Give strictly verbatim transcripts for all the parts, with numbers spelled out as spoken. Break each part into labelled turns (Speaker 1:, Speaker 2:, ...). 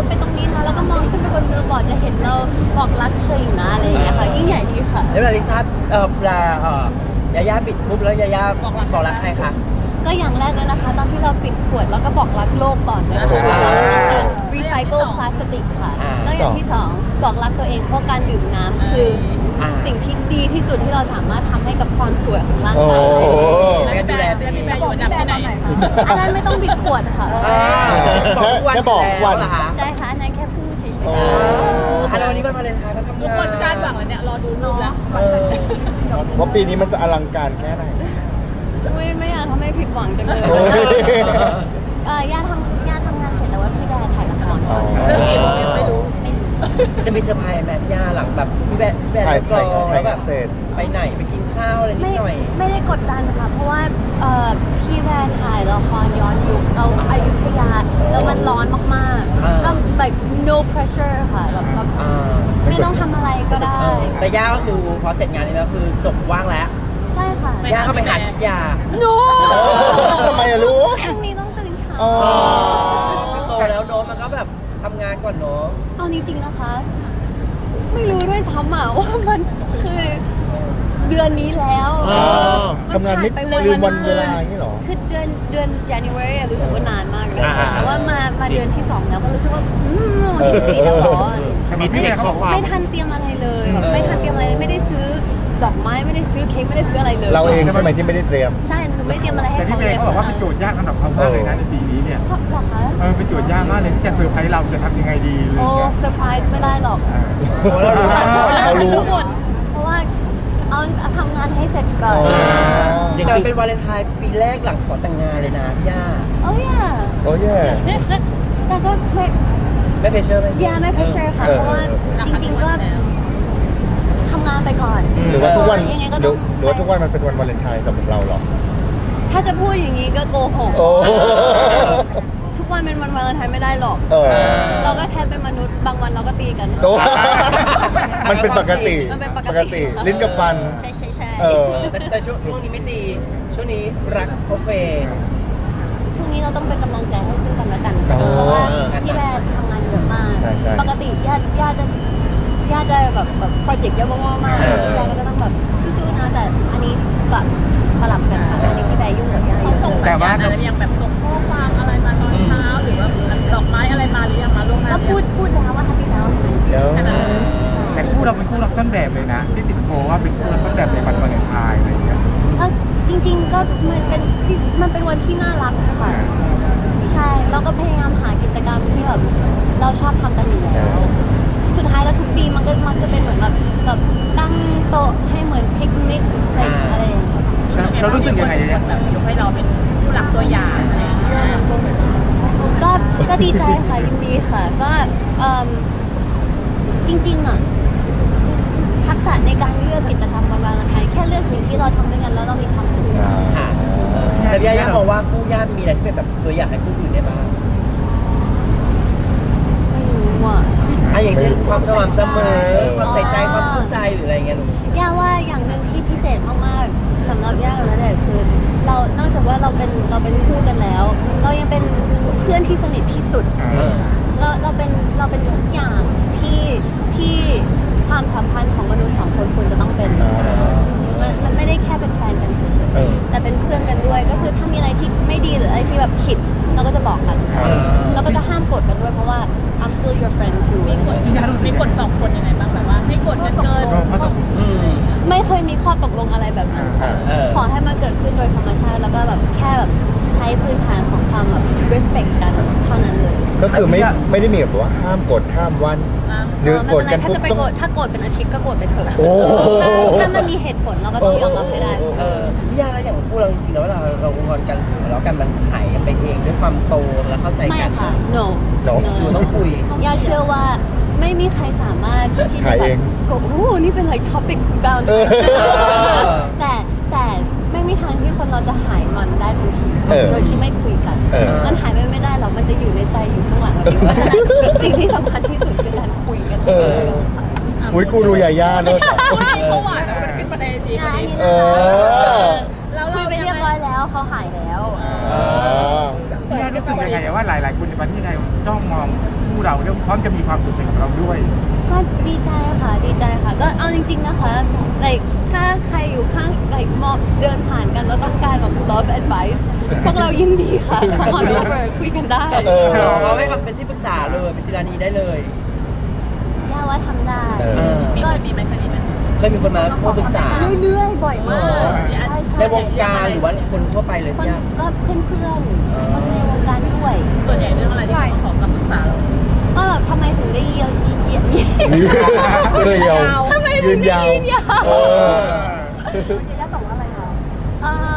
Speaker 1: ไปตรงนี้นะแล้วก็มองขึ้นไปบนเรือบอร์ดจะเห็นเราบอกรักเธออยู่นะอะไรอย่างเงี้ยค่ะยิ่งใหญ่ดีค่ะ
Speaker 2: แล้วเวลาลิซ่าเอ่อเวลาเอ่อยาย่าปิดปุ๊บแล้วยาย่าบอกรักใครคะ
Speaker 1: ก็อย่างแรกเลยนะคะตอนที่เราปิดขวดเราก็บอกรักโลกก่อนเลยค่ะเราจะรีไซเคิลพลาสติกค่ะแล้วอย่างที่สองบอกรักตัวเองเพราะการดื่มน้ำคือสิ่งที่ดีที่สุดที่เราสามารถทำให้กับความสวยของร่างกาย
Speaker 2: แม่ดูแลตัวเอง
Speaker 3: บอกพี่แบร์ตอนไหนคะ
Speaker 1: อันนั้นไม่ต้องบิดขวดค่ะ
Speaker 4: แค่แค่บอกวัน
Speaker 1: ใช่ค่ะอันนั้นแค่พูดเฉยๆ
Speaker 2: อ่าแล้ววันนี้วันวาเลนไทน์ก็ทำงานทุกคนคาดหวังเลยเนี่ยรอดูรูปแล้ว
Speaker 4: ว่าปีนี้มันจะอลังการแค่ไหน
Speaker 1: ไม่ไม่อยากทำให้ผิดหวังจังเลยเออย่าทำย่าทำงานเสร็จแต่ว่าพี่แบร์ถ่ายละคร
Speaker 2: เรื่องกี่โมงไม่รู้จะมีเซอร์ไพรส์แบบย่าหลังแบบพี่แบร์พี่แบร์กรองแล้วแบบไปไหนไปกินข้าวอะไรนิดหน่อย
Speaker 1: ไม่ได้กดดันค่ะเพราะว่าพี่แบร์ถ่ายละครย้อนยุคเอาอยุธยาแล้วมันร้อนมากๆก็ like no pressure ค่ะแบบไม่ต้องทำอะไรก็ได้
Speaker 2: แต่ย่าก็คือพอเสร็จงานนี้แล้วคือจบว่างแล้ว
Speaker 1: ใช่ค่ะ
Speaker 2: ย่าก็ไปหาทุกยา
Speaker 1: โน้
Speaker 4: ทำไมอะรู้
Speaker 1: พรุ่งนี้ต้องตื่นเช้า
Speaker 2: คือโตแล้วโน้มันก็แบบทำงานก่อนเนาะ
Speaker 1: เอาจริงๆนะคะไม่รู้ด้วยซ้ำอะว่ามันคือเดือนนี้แล้ว
Speaker 4: ทำงานไม่ลืมวันเวลาอย่างนี้หรอ
Speaker 1: คือเดือนเดือน January รู้สึกว่านานมากเลยแต่ว่ามามาเดือนที่สองแล้วก็รู้สึกว่าอืมวันที่สิบสี่แล้วหรอไม่ไม่ทันเตรียมอะไรเลยไม่ทันเตรียมอะไรเลยไม่ได้ซื้อดอกไม้ไม่ได้ซื้อเค้กไม่ได้ซื้ออะไรเลย
Speaker 4: เราเองใช่ไหมที่ไม่ได้เตรียม
Speaker 1: ใช่หนูไม่เตรียมอะไรให้เขา
Speaker 5: เลยเขาบอกว่าเป็นโจทย์ยากสำหรับเขามากเลยนะในปีนี้เนี่ย
Speaker 1: หรอคะ
Speaker 5: เออเป็นโจทย์ยากมากเลยที่จะเซอร์ไพรส์เราจะทำยังไงดี
Speaker 1: โอ้เซอร์ไพรส์ไม่ได้หรอก
Speaker 4: เรารู้
Speaker 1: เพราะว่าเอาทำงานให้เสร็จก่อน
Speaker 2: แต่เป็นวาเลนไทน์ปีแรกหลังขอแต่งงานเลยนะย่า
Speaker 1: โอ้ย
Speaker 4: โอ้ย
Speaker 1: แต่ก็ไม่
Speaker 2: ไม่เพรสเชอร์ไม่
Speaker 1: ย่าไม่เพรสเชอร์ค่ะเพราะว่าจริงๆก็ทำงานไปก่อน
Speaker 4: หรือว่าทุกวันหรือว่าทุกวันมันเป็นวันวาเลนไทน์สำหรับเราหรอ
Speaker 1: ถ้าจะพูดอย่างนี้ก็โกหกทุกวันเป็นวันวาเลนไทน์ไม่ได้หรอกเราก็แค่เป็นมนุษย์บางวันเราก็ตีกัน
Speaker 4: มันเป็นปกติปกติลิ้นกับฟัน
Speaker 1: ใช่ใช่ใช่
Speaker 2: แต่ช่วงนี้ไม่ตีช่วงนี้รักโอเค
Speaker 1: ช่วงนี้เราต้องเป็นกำลังใจให้ซึ่งกันและกันเพราะว่าพี่แบร์ทำงานเยอะมากปกติญาติญาติจะย่าจะแบบแบบโปรเจกต์เยอะมากๆมากย่าก็จะต้องแบบสู้ๆนะแต่อันนี้กลับสลับกันค่ะอันนี้พี่แบร์ยุ่งกับย่าเยอะ
Speaker 3: แต่ว่าอะไรยังแบบส่งข้อความอะไรมาตอนเช้าหรือว่าดอกไม้อะไรมาหรือยังมาล่วงหน้า
Speaker 1: ก็พูดพูดแล้วว่า Happy Valentine's Day
Speaker 5: แต่คู่เราเป็นคู่รักต้นแบบเลยนะที่ติดโพว่าเป็นคู่รักต้นแบบในวันวาเลนไทน์อะไรอย่างเงี้ย
Speaker 1: จริงๆก็มันเป็นมันเป็นวันที่น่ารักค่ะใช่เราก็พยายามหากิจกรรมที่แบบเราชอบทำกันอยู่แล้วสุดท้ายแล้วทุกปีมันก็มันจะเป็นเหมือนแบบแบบตั้งโต๊ะให้เหมือนพิกนิกอะไรอะไรอย่างเงี้ย
Speaker 5: เรารู้สึกยังไง
Speaker 3: แบบยกให้เราเป็นผู้หลักตัวอย่างอะไรอย่างเงี้ย
Speaker 1: ก็ก็ดีใจค่ะยินดีค่ะก็จริงๆอ่ะทักษะในการเลือกกิจกรรมวันวาเลนไทน์แค่เลือกสิ่งที่เราทำด้วยกันแล้วเรามีความสุข
Speaker 2: แต่ย่าย่าบอกว่าคู่ย่ามีอะไรที่เป็นแบบตัวอย่างให้คู่อื่นได้บ้าง
Speaker 1: ไม่รู้อ่ะ
Speaker 2: อ่ะอย่างเช่นความสม่ำเสมอความใส่ใจความเข้าใจหรืออะไรเงี้ย
Speaker 1: ย่าว่าอย่างหนึ่งที่พิเศษมากๆสำหรับย่ากับณเดชน์คือเรานอกจากว่าเราเป็นเราเป็นคู่กันแล้วเรายังเป็นเพื่อนที่สนิทที่สุดเราเราเป็นเราเป็นทุกอย่างที่ที่ความสัมพันธ์ของมนุษย์สองคนควรจะต้องเป็นมันมันไม่ได้แค่เป็นแฟนกันเฉยๆแต่เป็นเพื่อนกันด้วยก็คือถ้ามีอะไรที่ไม่ดีหรืออะไรที่แบบผิดเราก็จะบอกกันเราก็จะห้ามกดกันด้วยเพราะว่า I'm still your friend too
Speaker 3: มีกฎมีกฎสองคนยังไงบ้างแบบว่าให้กฎกันเกิน
Speaker 1: ไม่เคยมีข้อตกลงอะไรแบบนั้นขอให้มันเกิดขึ้นโดยธรรมชาติแล้วก็แบบแค่แบบใช้พื้นฐานของความแบบ respect กันเท่านั้นเลย
Speaker 4: ก็คือไม่ไม่ได้มีแบบว่าห้ามกดข้ามวันหรือกดกัน
Speaker 1: ถ้าจะไปโกรธถ้าโกรธเป็นอาทิตย์ก็โกรธไปเถอะถ้ามันมีเหตุผลเราก็ต้องยอมรับให้ได้
Speaker 2: พี่ย่าแล้วอย่างคู่เราจริงๆแล้วเวลาเรางอนกันหรือแล้วกันมันหายกันไปเองด้วยความโตและเข้าใจกัน
Speaker 1: ไม่ค่ะ no
Speaker 2: อยู่ต้องคุย
Speaker 1: ย่าเชื่อว่าไม่มีใครสามารถที่จะแบบโอ้โหนี่เป็น like topic bound แต่แต่ไม่มีทางที่คนเราจะหายงอนได้ทันทีโดยที่ไม่คุยกันมันหายไปไม่ได้หรอกมันจะอยู่ในใจอยู่ข้างหลังเพราะฉะนั้นสิ่งที่สำคัญที่สุดคือการคุยกัน
Speaker 4: อุ้ยกูรู้ยาย่าเนอะ
Speaker 3: เขาหวานแล้วมันขึ้นประเด็นจริง
Speaker 1: อันนี้นะเราคุยไปเรียบร้อยแล้วเขาหายแล้ว
Speaker 5: พี่ย่าได้รู้สึกยังไงว่าหลายๆคนในประเทศไทยจ้องมองคู่เราแล้วพร้อมจะมีความสุขไปกับเราด้วย
Speaker 1: ก็ดีใจค่ะดีใจค่ะ ก็เอาจริง ๆนะคะ like ถ้าใครอยู่ข้าง like มองเดินผ่านกันแล้วต้องการแบบ love advice พวกเรายินดีค่ะ come on over คุยกันได้
Speaker 4: เออ
Speaker 2: เขาให้คำเป็นที่ปรึกษาเลยเป็นศิลานีได้เลย
Speaker 1: ย่าว่าทำได้
Speaker 4: เออ
Speaker 3: มีคนมีไหมเคยมีไหม
Speaker 2: เคยมีคนมาพูดปรึกษา
Speaker 1: เรื่อยๆ บ่อยมากใช่ใช่
Speaker 2: ในวงการหรือว่าคนทั่วไปเลย
Speaker 1: คน
Speaker 2: พี่ย่า
Speaker 1: ก็เพื่อนเพื่อนๆคนในวงการด้วย
Speaker 3: ส่วนใหญ่เรื่องอะไรที่เขาขอคำปรึกษาเรา
Speaker 1: ก็แบบทำไมถึงได้เยียวยีเยียยี
Speaker 4: เลยยาว
Speaker 1: ทำไม
Speaker 4: ยื
Speaker 1: ถึง
Speaker 4: น
Speaker 1: ได้
Speaker 4: ยาว
Speaker 1: ยืนยาว
Speaker 4: เออ
Speaker 1: ย่าตอบว่าอะไรคะอืม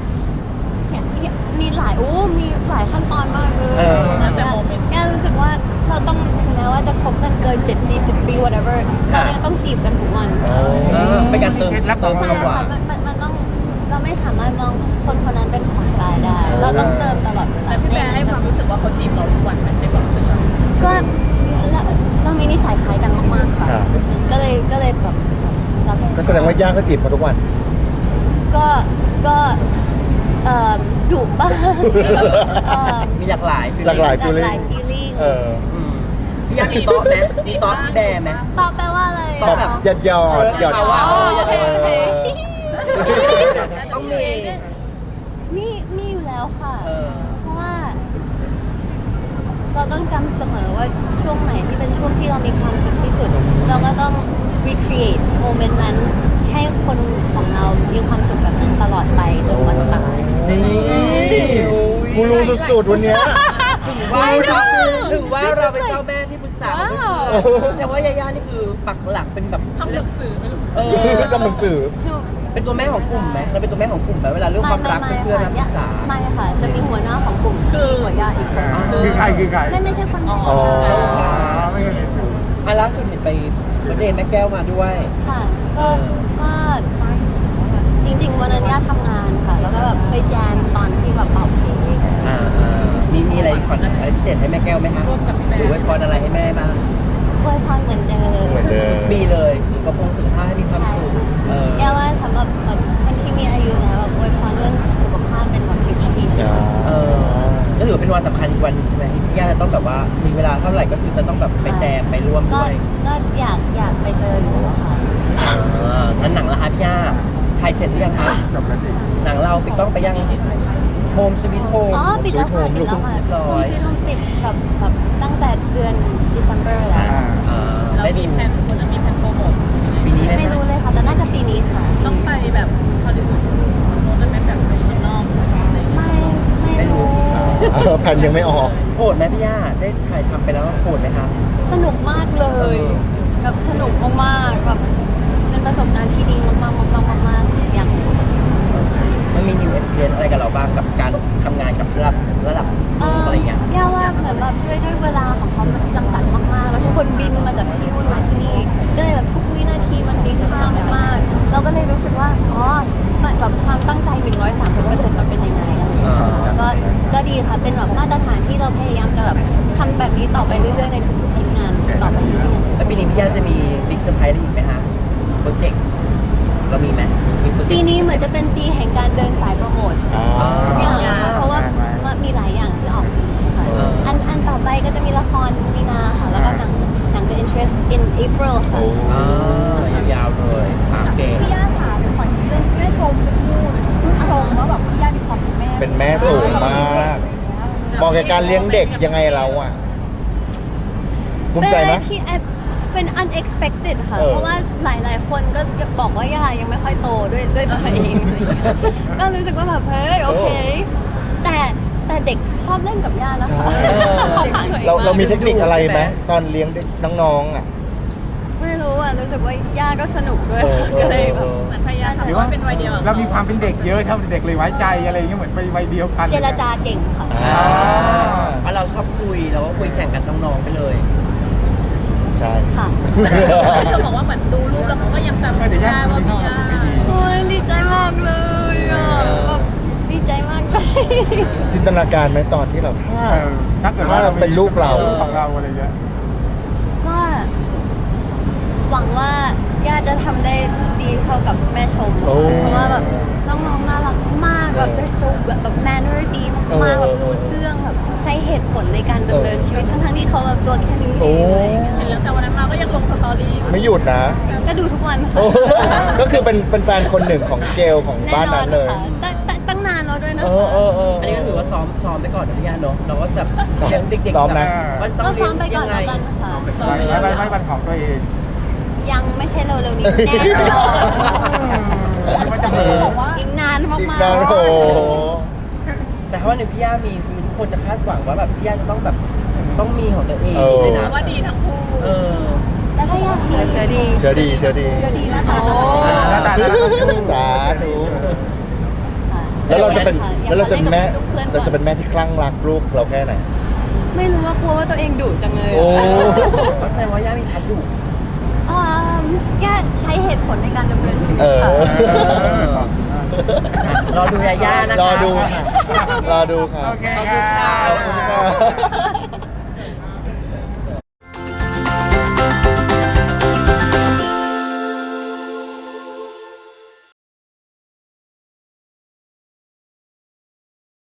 Speaker 1: มีหลายโอ้มีหลายขั้นตอนมากเลย
Speaker 2: เออ
Speaker 3: แต่โมเมนต์
Speaker 1: แกรู้สึกว่าเราต้องถึงแม้ว่าจะคบกันเกินเจ็ดปีสิบปี whatever เรายังต้องจีบกันทุกวัน
Speaker 4: อ๋อ
Speaker 2: เออเป็นการเติมเติม
Speaker 1: ใช่
Speaker 2: ความหวา
Speaker 1: ค่ะ
Speaker 2: น
Speaker 1: มันมันมันต้องเราไม่สามารถมองคนคนนั้นเป็นของตายได้ เราต้องเติมตลอดเวลา
Speaker 3: แต่พี่แบร์ให้ความรู้สึกว่าเขาจีบเราทุกวันไหมในความรู้สึกเรา
Speaker 1: ก็เราเรามีนิสัยคล้ายกันมากๆค่ะ
Speaker 4: ค่ะ
Speaker 1: ก็เลยก็เลยแบบเรา
Speaker 4: ก็แสดงว่าย่าก็จีบเขาทุกวัน
Speaker 1: ก็ก็เอ่อดุบ้างเอ่อ
Speaker 2: มีหลากหลาย feeling
Speaker 4: หลากหลาย
Speaker 1: หลากหลาย feeling
Speaker 4: เออ
Speaker 2: อืมพี่ย่ามีโต๊ะไหมมีโต๊ะพี่แบร์ไหม
Speaker 1: ตอบแปลว่าอะไร
Speaker 2: ต
Speaker 4: ต
Speaker 2: อ
Speaker 4: อ
Speaker 2: บบ แบบ
Speaker 4: หยอดหยอดหยอด
Speaker 2: เออ
Speaker 1: อ๋อโอเคโอเค
Speaker 2: ต้องมี
Speaker 1: มีมีอยู่แล้วค่ะ
Speaker 2: เออ
Speaker 1: เพราะว่า เราต้องจำเสมอว่าช่วงไหนที่เป็นช่วงที่เรามีความสุขที่สุด เราก็ต้อง recreate โมเมนต์นั้นให้คนของเรามีความสุขแบบนั้นตลอดไปจนวันตาย
Speaker 2: นี่
Speaker 4: กูรู้สุดๆวันเนี้ย
Speaker 2: ว่า
Speaker 4: รู้จ
Speaker 2: เรา
Speaker 4: ริง
Speaker 2: ถือว่าเราเป็นเจ้าแม่ที่ปรึกษาของเพื่อนๆแสดงว่ายาย่านี่คือปักหลักเป็นแบบ
Speaker 3: ทำหนังสือไม่รู้
Speaker 2: เออ
Speaker 4: ๆทำหนังสือ
Speaker 1: หนู
Speaker 2: เป็นตัวแม่ของกลุ่มไหมเราเป็นตัวแม่ของกลุ่มไหมเวลาเรื่องความรัก
Speaker 1: ไม่
Speaker 2: เพื่อนๆมาปรึกษา
Speaker 1: ไม่ค่ะ จะมีหัวหน้าของกลุ่มที่มีหัวญาติอีกคน
Speaker 5: คือใครคือใคร
Speaker 1: ไม่ไม่ใช่คนไทย
Speaker 4: อ๋อ
Speaker 5: อ๋อไม่เคยเห็นอยู่
Speaker 2: อ่ะล่าสุดเห็นไปเบอร์ธเดย์แม่แก้วมาด้วย
Speaker 1: ค่ะ ก็ก็จริงๆวันนั้นย่าทำงานค่ะ แล้วก็แบบไปแจมตอนที่แบบเป่าเค้ก
Speaker 2: อ่ามีมีอะไรขวัญอะไรพิเศษให้แม่แก้วไหมคะหรือไว้พรอะไรให้แม่บ้าง
Speaker 1: อวยพรเหมือนเดิม
Speaker 4: เหมือนเดิม
Speaker 2: มีเลยสุขภาพสุขภาพให้มีความสุขเออ
Speaker 1: แกว่าสำหรับแบบคนที่มีอายุแล้วแบบอวยพรเรื่องสุขภาพเป็นแบบสิ่งที่ดีที่สุด
Speaker 2: เออก็ถือว่าเป็นวันสำคัญอีกวันหนึงใช่ไหมที่พี่ย่าจะต้องแบบว่ามีเวลาเท่าไหร่ก็คือจะต้องแบบไปแจมไปร่วม
Speaker 1: ก็
Speaker 2: ด้วย
Speaker 1: ก็อยากอยากไปเจออยู่อะค่ะ
Speaker 2: อ่างั้นหนังละคะพี่ย่าถ่ายเสร็จหรือยังคะ
Speaker 5: จบแล้วสิ
Speaker 2: หนังเราปิดกล้องไปยังโฮมสวิตโฮม
Speaker 1: อ๋อปิดแล้วค่ะปิดแล้วค่ะ
Speaker 2: เรียบร้อย
Speaker 1: คุณซีนปิดแบบแบบตั้งแต่เดือน December แล้ว
Speaker 5: อ่า
Speaker 3: เรา
Speaker 2: ได้
Speaker 3: มี
Speaker 2: ดู
Speaker 3: แผนคนจะมีแผนโปรโมท
Speaker 2: ปีนี้ได้
Speaker 1: ไม่
Speaker 2: ไหม
Speaker 1: รู้เลยค่ะ แต่น่าจะปีนี้ค่ะ
Speaker 3: ต้องไปแบบฮอลลีวูดโน้ตจะเป็นแบบไปเมืองนอกอะไรอย่างเงี้ย
Speaker 1: ไม่ไม่รู้
Speaker 4: เออแผ่นยังไม่ออก
Speaker 2: โหดไหมพี่ย่าได้ถ่ายทำไปแล้วโหดไหมคะ
Speaker 1: สนุกมากเลย
Speaker 2: เออ
Speaker 1: แบบสนุกมากๆแบบเป็นประสบการณ์ที่ดีมากๆมากๆมากๆอย่าง
Speaker 2: มันมี new experience อะไรกับเราบ้างกับการทำงานกับระดับระดับโลกอะไรอย่างเงี้ย
Speaker 1: ย่าว่าเหมือนแบบด้วยด้วยเวลาของเขามันจำกัดมากๆ แล้วทุกคนบินมาจากที่นู่นมาที่นี่ก็เลยแบบทุกวินาทีมันมีค่ามากๆเราก็เลยรู้สึกว่าอ๋อมันแบบความตั้งใจ หนึ่งร้อยสามสิบเปอร์เซ็นต์ มันเป็นยังไงอะไรอย่างเงี้ยก็ก็ดีค่ะเป็นแบบมาตรฐานที่เราพยายามจะแบบทำแบบนี้ต่อไปเรื่อยๆในทุกๆชิ้นงานต่อไปเรื่อยๆ
Speaker 2: แล้วปีนี้พี่ย่าจะมีบิ๊กเซอร์ไพรส์อะไรอีกไหมคะโปรเจกต์เรามีไหมมีโปรเจกต์
Speaker 1: ปีนี้เหมือนจะเป็นปีแห่งการเดินสายโปรโมท
Speaker 4: อ่า
Speaker 1: ทุกอย่างเพราะว่ามันมีหลายอย่างที่ออกปีนี้ค่ะ
Speaker 2: เอออั
Speaker 1: อันอันต่อไปก็จะมีละครมีนาค่ะ แล้วก็หนังหนัง The Interest in April ค่ะ
Speaker 4: โอ้
Speaker 2: อ่ายาวๆเลยอ่ะโอเค
Speaker 6: พี่ย่าค่ะเป็นคนที่เป็นแม่ชมชมพู่ลูกชมว่าแบบพี่ย่ามีความเป็นแม่
Speaker 4: เป็นแม่สูงมากเหมาะกับการเลี้ยงเด็กยังไงเราอ่ะภูมิ
Speaker 1: เป็น
Speaker 4: ใจ
Speaker 1: อะไร
Speaker 4: ไหม
Speaker 1: ที่แอบเป็น unexpected ค่ะ
Speaker 4: เออ
Speaker 1: เพราะว่าหลาย ๆ คนก็บอกว่าย่ายังไม่ค่อยโตด้วยด้วยตัวเองอะไรอย่างเงี้ยก็รู้สึกว่าแบบเฮ้ยโอเค แต่แต่เด็กชอบเล่นกับย่านะคะ
Speaker 4: ใช่
Speaker 1: ขอบคุณหน่อย
Speaker 4: เราเรามี
Speaker 1: ก
Speaker 4: เทคนิคอะไรไหมตอนเลี้ยงเด็กน้องๆอ่ะ
Speaker 1: ไม่รู้อ่ะรู้สึกว่าย่าก็สนุกด้วย
Speaker 4: เออ
Speaker 1: ก็เลยแบบ
Speaker 4: เออ
Speaker 3: เหมือนพยายามทำว่าเป็นวัยเดียวกับ
Speaker 5: เรามีความเป็นเด็กเยอะเท่าเด็กเลยไว้ใจอะไรอย่างเงี้ยเหมือนไปวัยเดียวกัน
Speaker 1: เจรจาเก่งค่ะ
Speaker 4: อ่า
Speaker 2: เพราะเราชอบคุยเราก็คุยแข่งกันน้องๆไปเลย
Speaker 4: ใช่
Speaker 1: ค่ะ
Speaker 3: เธอบอกว่าเหมือนดูรูปแล้วเขาก็ยังจำไม่ได้ว่าพี่ย่า
Speaker 1: โอ้ยดีใจมากเลยอ่ะแบบดีใจมากเลย
Speaker 4: จินตนาการไหมตอนที่เราถ้า
Speaker 5: เออถ้าเกิดว่าเรา
Speaker 4: เป็นลูกเรา
Speaker 5: ของเราอะไรเงี้ย
Speaker 1: ก็หวังว่าย่าจะทำได้ดีเท่ากับแม่ชม
Speaker 4: โอ้
Speaker 1: เพราะว่าแบบน้องๆน่ารักมากแบบ they're so แบบแบบ manner ดีมากๆแบบรู้เรื่องแบบใช้เหตุผลในการดำเนินชีวิตทั้งๆที่เขาแบบตัวแค่นี้เองอะไรอย่างเงี้ย
Speaker 3: เห็นแล้วแต่วันนั้นมาก็ยังลงสตอรี่อยู่
Speaker 4: ไม่หยุดนะ
Speaker 1: ก็ดูทุกวัน
Speaker 4: โอ้
Speaker 1: ค่ะ
Speaker 4: ก็คือเป็นเป็นแฟนคนหนึ่งของเกลของ
Speaker 1: แน่
Speaker 4: บ้าน
Speaker 1: นอ
Speaker 4: นั้น นเลย
Speaker 1: ค่ะตั้งตั้งตั้งนานแล้วด้วยนะ
Speaker 4: เอ
Speaker 1: คะ
Speaker 4: อเออเออ
Speaker 2: อันนี้ก็ถือว่าซ้อมซ้อมไปก่อนนะพี่ย่าเนาะเราก็จะ
Speaker 4: ซ้อม
Speaker 2: เลี้ยงเด็กๆ
Speaker 4: ซ้อม
Speaker 2: แบ
Speaker 4: นะ
Speaker 2: บว่าต้อง
Speaker 1: ก็
Speaker 2: เลี้
Speaker 1: ซ้
Speaker 2: ย
Speaker 1: อง มไปก่อน
Speaker 2: ยังไง
Speaker 1: แล้วกันค่ะ
Speaker 5: ไม่ไม่ไม่วันของตัวเอง
Speaker 1: ยังไม่ใช่เร็วๆนี้แน่นอน
Speaker 5: มันจะ
Speaker 6: แต่
Speaker 5: มี
Speaker 6: พี่ชมบอกว่า
Speaker 1: อีกนานมาก
Speaker 4: อีกนานโอ้โห
Speaker 2: แต่ถ้าวันหนึงพี่ย่ามีคือทุกคนจะคาดหวังว่าแบบพี่ย่าจะต้องแบบต้องมีของตัวเอง
Speaker 4: เออ
Speaker 2: ด้วย
Speaker 3: เพ
Speaker 2: นะ
Speaker 3: ราะว่าดีทั้งคู่
Speaker 2: เออ
Speaker 6: แล้วชม
Speaker 1: ๆเชื่อเชื่อดี
Speaker 4: เชื่อดีเชื่อดี
Speaker 6: เชื่อดีหน้าตา
Speaker 1: โอ้
Speaker 5: หน้าตาน่ารักทั้งคู่
Speaker 4: สาธุ
Speaker 1: ค่ะ
Speaker 4: แล้วเราจะเป็น
Speaker 1: อยก
Speaker 4: แล้วเราจะเป็นแม่
Speaker 1: ล่นกับพื่อนๆ
Speaker 4: เราจะเป็นแม่ที่คลั่งรักลูกเราแค่ไหน
Speaker 1: ไม่รู้ว่ากลัวว่าตัวเองดุจังเลย
Speaker 4: โอ้
Speaker 2: ก็แสดงว่าย่ามีพัดดุ
Speaker 1: อ่าแค่ใช้เหตุผลในการดำเนินชีวิต
Speaker 4: เออ
Speaker 1: ค่ะ
Speaker 2: รอดูยาย่านะคะ
Speaker 4: รอดูค่ะ รอดูค่ะ
Speaker 5: โอเคค่ะ
Speaker 2: ขอบคุณค่ะ